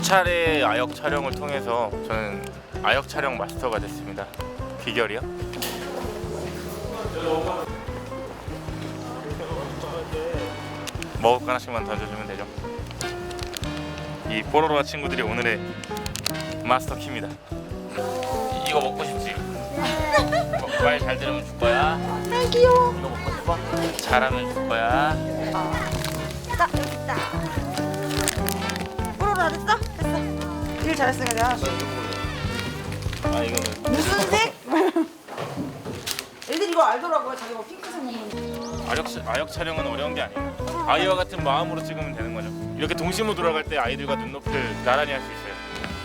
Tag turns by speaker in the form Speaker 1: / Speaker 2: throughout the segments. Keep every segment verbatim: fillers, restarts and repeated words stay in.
Speaker 1: 차례 아역 촬영을 통해서 저는 아역 촬영 마스터가 됐습니다. 비결이요? 먹을 거 하나씩만 던져주면 되죠. 이 뽀로로와 친구들이 오늘의 마스터 키입니다. 이거 먹고 싶지? 말 잘 들으면 줄 거야.
Speaker 2: 아 귀여워.
Speaker 1: 이거 먹고 싶어? 잘하면 줄 거야.
Speaker 2: 딱 여기 있다. 뽀로로 안 했어? 됐어. 일 잘했으니까 내가 하나씩.
Speaker 1: 아 이거는
Speaker 2: 무슨 색? 애들 이거 알더라고요. 자기가 핑크색 먹는.
Speaker 1: 아역, 아역 촬영은 어려운 게 아니에요. 아이와 같은 마음으로 찍으면 되는 거죠. 이렇게 동심으로 돌아갈 때 아이들과 눈높이를 나란히 할 수 있어요.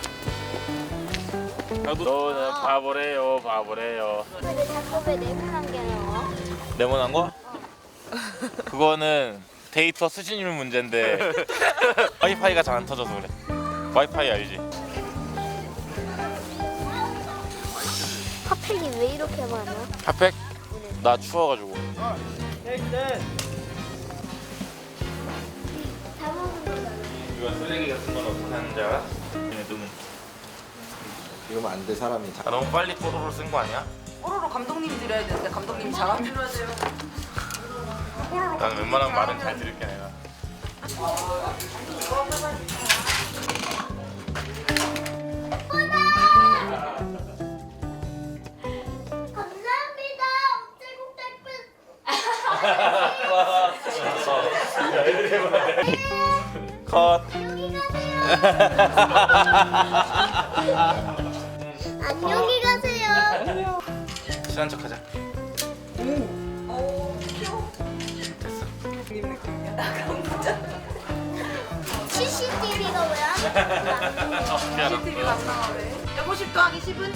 Speaker 1: 나도 너는 바보래요 바보래요.
Speaker 3: 근데 자꾸 왜 네모난 게 나와?
Speaker 1: 네모난 거? 그거는 데이터 수신율 문제인데 와이파이가 잘 안 터져서 그래. 와이파이 알지?
Speaker 3: 핫팩이 왜 이렇게 많아?
Speaker 1: 핫팩? 나 추워가지고.
Speaker 3: 다 먹은 거잖아.
Speaker 1: 이거 쓰레기 같은 건 어떻게 하는지 알아? 얘네 눈은.
Speaker 4: 이러면 안 돼 사람이.
Speaker 1: 아, 너무 빨리 뽀로로 쓴 거 아니야?
Speaker 2: 뽀로로 감독님 드려야 되는데 감독님 잘하면. 뽀로로.
Speaker 1: 난 웬만하면 말은 잘 들을게 내가.
Speaker 3: 감사합니다.
Speaker 1: 컷.
Speaker 3: 안녕히 가세요.
Speaker 1: 친한 척하자.
Speaker 2: 오. 귀여워.
Speaker 1: 됐어.
Speaker 2: 님 느낌이야.
Speaker 3: 씨씨티비가 왜 안 나와?
Speaker 1: 미안하다.
Speaker 2: 안 나와 왜? 여보십 더하기 십은?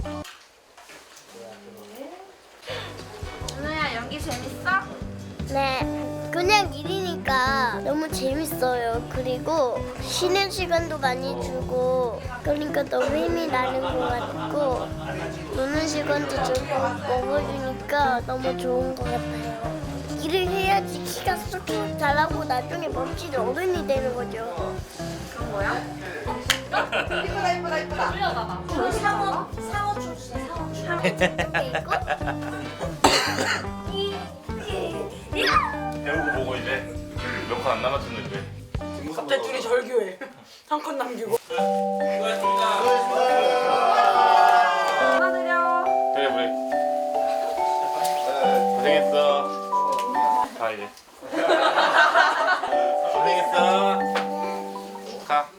Speaker 2: 은우야 연기 재밌어?
Speaker 3: 네. 그냥 일이니까 너무 재밌어요. 그리고 쉬는 시간도 많이 주고 그러니까 너무 힘이 나는 것 같고 노는 시간도 주고 먹어주니까 너무 좋은 것 같아요. 일을 해야지 키가 쏙쏙 자라고 나중에 멋진 어른이 되는 거죠.
Speaker 2: 그런 거야? 이쁘다 이쁘다 이쁘다.
Speaker 3: 그 상어 상어 출신 상어 출신 이렇게 있고
Speaker 1: 배우고 보고 이제 몇 컷 안 남았는데 이제.
Speaker 2: 갑자기 둘이 절교해. 한 컷 남기고.
Speaker 1: 수고하셨습니다.
Speaker 2: 하나드려.
Speaker 1: 그래 우리 고생했어. 가 이제. 고생했어. 가.